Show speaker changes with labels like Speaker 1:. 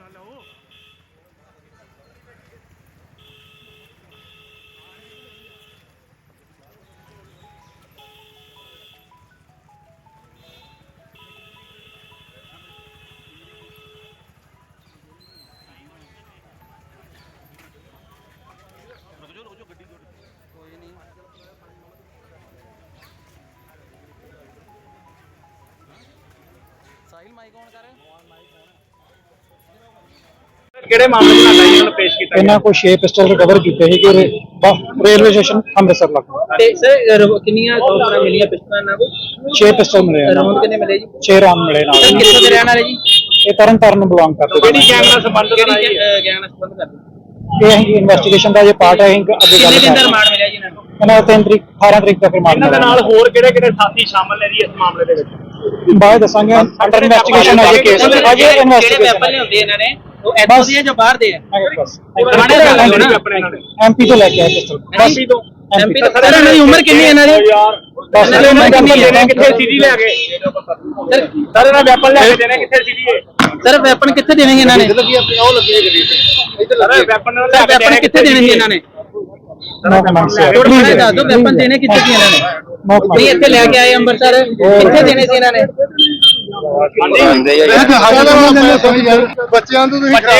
Speaker 1: Sahil mic on कर
Speaker 2: ਕਿਹੜੇ ਮਾਮਲੇ ਨਾਲ ਇਹਨਾਂ ਨੂੰ ਪੇਸ਼ ਕੀਤਾ
Speaker 3: ਇਹਨਾਂ ਕੋਲ 6 ਪਿਸਟਲ ਰਿਕਵਰ ਕੀਤੇ ਸੀ ਕਿ ਰੇਲਵੇ ਸਟੇਸ਼ਨ ਅੰਮ੍ਰਿਤਸਰ ਲੱਗਾ
Speaker 1: ਤੇ ਸਰ ਕਿੰਨੀਆਂ ਗੋਲੀਆਂ ਮਿਲੀਆਂ ਪਿਸਟਲਾਂ ਇਹਨਾਂ ਕੋਲ
Speaker 3: 6 ਪਿਸਟਲ ਮਿਲੇ
Speaker 1: ਰਾਉਂਡ ਕਿੰਨੇ ਮਿਲੇ ਜੀ
Speaker 3: 6 ਰਾਉਂਡ ਮਿਲੇ ਨਾਲ
Speaker 1: ਸਰ ਕਿੱਥੋਂ ਦੇ ਰਹਿਣ ਵਾਲੇ ਜੀ
Speaker 3: ਇਹ ਤਰਨ ਤਾਰਨ ਨੂੰ ਬਿਲੋਂਗ ਕਰਦੇ
Speaker 2: ਕਿਹੜੀ ਗੈਂਗ ਨਾਲ ਸੰਬੰਧਿਤ ਹੈ
Speaker 1: ਕਿਹੜੀ
Speaker 2: ਜੀ?
Speaker 1: ਗੈਂਗ ਨਾਲ ਸੰਬੰਧ ਕਰਦੇ
Speaker 3: ਇਹ ਅਸੀਂ ਇਨਵੈਸਟੀਗੇਸ਼ਨ ਦਾ ਜੇ ਪਾਰਟ ਹੈ ਅਸੀਂ ਅੱਗੇ
Speaker 1: ਕਿੰਨੇ
Speaker 3: ਗੱਲ
Speaker 1: ਦਿਨ ਦਾ
Speaker 3: ਕਰਾਂਗੇ
Speaker 1: ਰਿਮਾਂਡ ਮਿਲਿਆ ਜੀ ਇਹਨਾਂ ਨੂੰ
Speaker 3: ਇਹਨਾਂ ਦਾ 3 ਤਰੀਕ 18 ਤਰੀਕ ਤੱਕ ਰਿਮਾਂਡ
Speaker 2: ਇਹਨਾਂ ਦੇ ਨਾਲ ਹੋਰ ਕਿਹੜੇ ਕਿਹੜੇ ਸਾਥੀ ਸ਼ਾਮਲ ਨੇ ਜੀ ਇਸ ਮਾਮਲੇ ਦੇ ਵਿੱਚ?
Speaker 3: ਬਾਅਦ ਦੱਸਾਂਗੇ ਅੰਡਰ ਇਨਵੈਸਟੀਗੇਸ਼ਨ ਹੈ ਇਹ ਕੇਸ ਅਜੇ
Speaker 1: ਜਿਹੜੇ
Speaker 3: ਇਨਵੈਸਟੀਗੇਸ਼ਨ
Speaker 1: ਵੈਪਨ ਲਿਆਉਂਦੇ ਇਹਨਾਂ ਨੇ ਉਹ ਇੱਥੋਂ ਦੇ ਜਾਂ ਬਾਹਰ ਦੇ ਆ
Speaker 3: ਬਸ
Speaker 1: ਪੁਰਾਣੇ ਦਾ ਗੱਲ ਹੋਣਾ।
Speaker 3: ਐਮਪੀ ਤੋਂ ਲੈ ਕੇ ਆਏ ਪਿਸਟਲ ਬਸ
Speaker 2: MP ਤੋਂ
Speaker 1: ਐਮਪੀ ਤੋਂ ਸਰ ਇਹਨਾਂ ਦੀ ਉਮਰ ਕਿੰਨੀ ਹੈ ਇਹਨਾਂ ਦੀ
Speaker 3: ਬਸ
Speaker 1: ਇਹਨਾਂ ਦੀ ਉਮਰ ਕਿੰਨੀ ਹੈ
Speaker 2: ਦੇਣੇ ਕਿੱਥੇ ਸੀਡੀ ਲੈ ਕੇ ਸਰ ਇਹਨਾਂ ਵੈਪਨ ਲੈ ਕੇ ਦੇਣੇ ਕਿੱਥੇ ਸੀਡੀ ਹੈ?
Speaker 1: ਸਰ ਵੈਪਨ ਕਿੱਥੇ ਦੇਣਗੇ ਇਹਨਾਂ ਨੇ
Speaker 2: ਸਰ ਵੈਪਨ ਲੈ
Speaker 1: ਸਰ
Speaker 2: ਕੇ
Speaker 1: ਵੈਪਨ ਕਿੱਥੇ ਦੇਣੇ ਸੀ ਇਹਨਾਂ ਨੇ
Speaker 3: ਨੋ ਕਮੈਂਟਸ
Speaker 1: ਥੋੜਾ ਥੋੜਾ ਦੱਸ ਦਿਓ ਵੈਪਨ ਦੇਣੇ ਕਿੱਥੇ ਸੀ ਇਹਨਾਂ ਨੇ ਨਹੀਂ ਇੱਥੇ ਲੈ ਕੇ ਆਏ ਅੰਮ੍ਰਿਤਸਰ ਕਿੱਥੇ ਦੇਣੇ ਸੀ ਇਹਨਾਂ ਨੇ
Speaker 4: ਬੱਚਿਆਂ ਤੋਂ ਤੁਸੀਂ